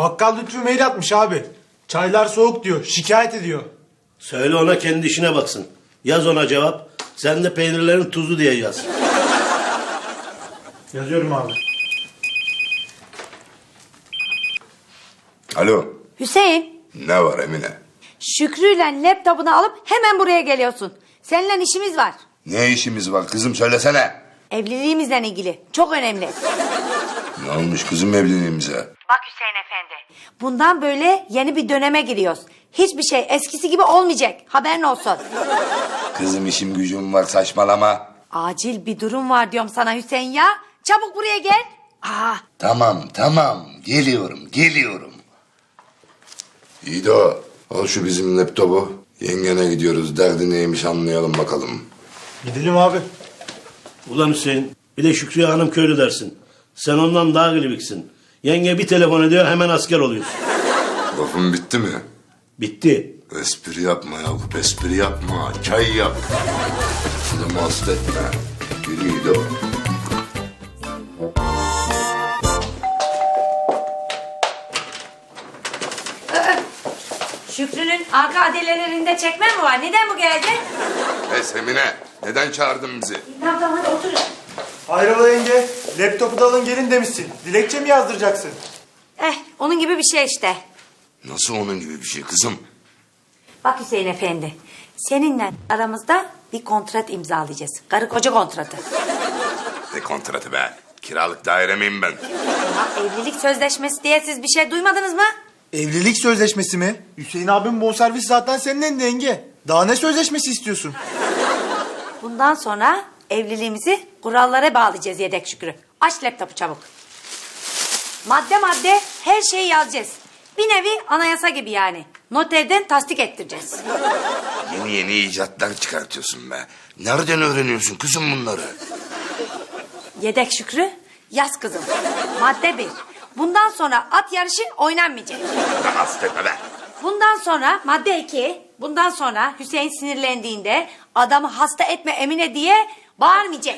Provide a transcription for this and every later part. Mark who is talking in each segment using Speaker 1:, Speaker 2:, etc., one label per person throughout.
Speaker 1: Bakkal Lütfü mail atmış abi. Çaylar soğuk diyor. Şikayet ediyor.
Speaker 2: Söyle ona kendi işine baksın. Yaz ona cevap. Sen de peynirlerin tuzu diye yaz.
Speaker 1: Yazıyorum abi.
Speaker 3: Alo.
Speaker 4: Hüseyin,
Speaker 3: Ne var Emine?
Speaker 4: Şükrü'yle laptopunu alıp hemen buraya geliyorsun. Seninle işimiz var.
Speaker 3: Ne işimiz var kızım söylesene.
Speaker 4: Evliliğimizle ilgili. Çok önemli.
Speaker 3: Ne olmuş kızım evliliğimize?
Speaker 4: Bak Hüseyin Efendi. Bundan böyle yeni bir döneme giriyoruz. Hiçbir şey eskisi gibi olmayacak. Haberin olsun.
Speaker 3: Kızım işim gücüm var saçmalama.
Speaker 4: Acil bir durum var diyorum sana Hüseyin ya. Çabuk buraya gel.
Speaker 3: Tamam geliyorum. İyi de o. Al şu bizim laptopu. Yengene gidiyoruz derdi neymiş anlayalım bakalım.
Speaker 1: Gidelim abi.
Speaker 2: Ulan Hüseyin, bir de Şükrü Hanım köylü dersin. Sen ondan daha gılibiksin. Yenge bir telefon ediyor hemen asker oluyorsun.
Speaker 3: Lafın bitti mi?
Speaker 2: Bitti.
Speaker 3: Espri yapma Yakup espri yapma. Çay yap. Adamı hasta etme. Yürü iyi de o.
Speaker 4: Şükrü'nün arka adelelerinde çekme mi var? Neden bu geldi?
Speaker 3: Pes Emine. Neden çağırdın bizi?
Speaker 4: Tamam hadi otur.
Speaker 1: Hayrola yenge? Laptopu da alın gelin demişsin. Dilekçe mi yazdıracaksın?
Speaker 4: Onun gibi bir şey işte.
Speaker 3: Nasıl onun gibi bir şey kızım?
Speaker 4: Bak Hüseyin Efendi. Seninle aramızda bir kontrat imzalayacağız. Karı koca kontratı.
Speaker 3: Ne kontratı be? Kiralık daire miyim ben?
Speaker 4: Ya evlilik sözleşmesi diye siz bir şey duymadınız mı?
Speaker 1: Evlilik sözleşmesi mi? Hüseyin abim bonservis zaten senin elinde yenge. Daha ne sözleşmesi istiyorsun?
Speaker 4: Bundan sonra evliliğimizi kurallara bağlayacağız Yedek Şükrü. Aç laptopu çabuk. Madde madde her şeyi yazacağız. Bir nevi anayasa gibi yani. Noterden tasdik ettireceğiz.
Speaker 3: Yeni icatlar çıkartıyorsun be. Nereden öğreniyorsun kızım bunları?
Speaker 4: Yedek Şükrü, yaz kızım. Madde 1. Bundan sonra at yarışı oynanmayacak.
Speaker 3: Hasta etme be.
Speaker 4: Bundan sonra madde 2. Bundan sonra Hüseyin sinirlendiğinde adamı hasta etme Emine diye bağırmayacak.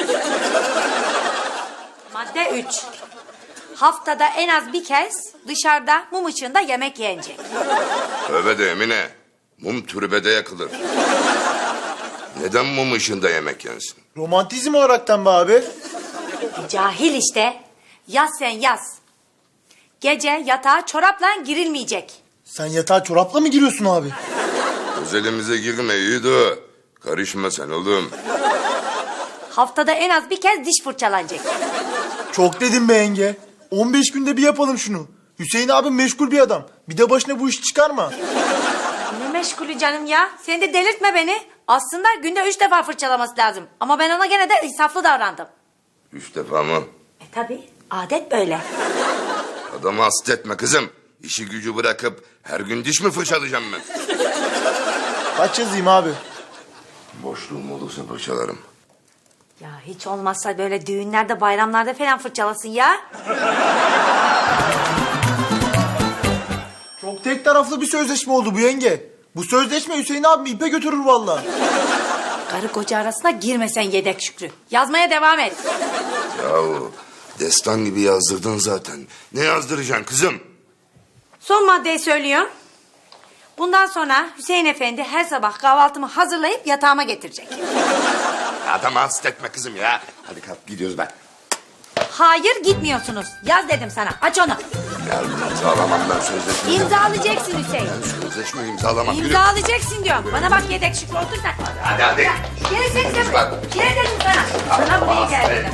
Speaker 4: Madde 3. Haftada en az bir kez dışarıda mum ışığında yemek yenecek.
Speaker 3: Tövbe de Emine. Mum türbede yakılır. Neden mum ışığında yemek yensin?
Speaker 1: Romantizm olaraktan be abi.
Speaker 4: Cahil işte. Yaz sen yaz. Gece yatağa çorapla girilmeyecek.
Speaker 1: Sen yatağa çorapla mı giriyorsun abi?
Speaker 3: Özelimize girme iyi de. Karışma sen oğlum.
Speaker 4: Haftada en az bir kez diş fırçalanacak.
Speaker 1: Çok dedim be yenge. 15 günde bir yapalım şunu. Hüseyin abim meşgul bir adam. Bir de başına bu işi çıkarma.
Speaker 4: Ne meşgulü canım ya? Sen de delirtme beni. Aslında günde 3 defa fırçalaması lazım. Ama ben ona gene de insaflı davrandım.
Speaker 3: 3 defa mı?
Speaker 4: Tabii adet böyle.
Speaker 3: Adamı hasta etme kızım. İşi gücü bırakıp her gün diş mi fırçalayacağım ben?
Speaker 1: Kaç yazayım abi?
Speaker 3: Boşluğum olursa fırçalarım.
Speaker 4: Ya hiç olmazsa böyle düğünlerde bayramlarda falan fırçalasın ya.
Speaker 1: Çok tek taraflı bir sözleşme oldu bu yenge. Bu sözleşme Hüseyin abimi ipe götürür vallahi.
Speaker 4: Karı koca arasına girmesen Yedek Şükrü. Yazmaya devam et.
Speaker 3: Yahu destan gibi yazdırdın zaten. Ne yazdıracaksın kızım?
Speaker 4: Son maddeyi söylüyorum. Bundan sonra Hüseyin Efendi her sabah kahvaltımı hazırlayıp yatağıma getirecek.
Speaker 3: Adamı hasta etme kızım ya. Hadi kalk gidiyoruz ben.
Speaker 4: Hayır gitmiyorsunuz. Yaz dedim sana. Aç onu.
Speaker 3: Ya imzalamam ben sözleşmeyi.
Speaker 4: İmzalayacaksın Hüseyin.
Speaker 3: Sözleşmeyi imzalamam. Yürü.
Speaker 4: İmzalayacaksın diyorum. Bana bak Yedek Şükrü otur sen.
Speaker 3: Hadi.
Speaker 4: Gel sen de buraya. Gel dedim sana. Sana buraya gel dedim.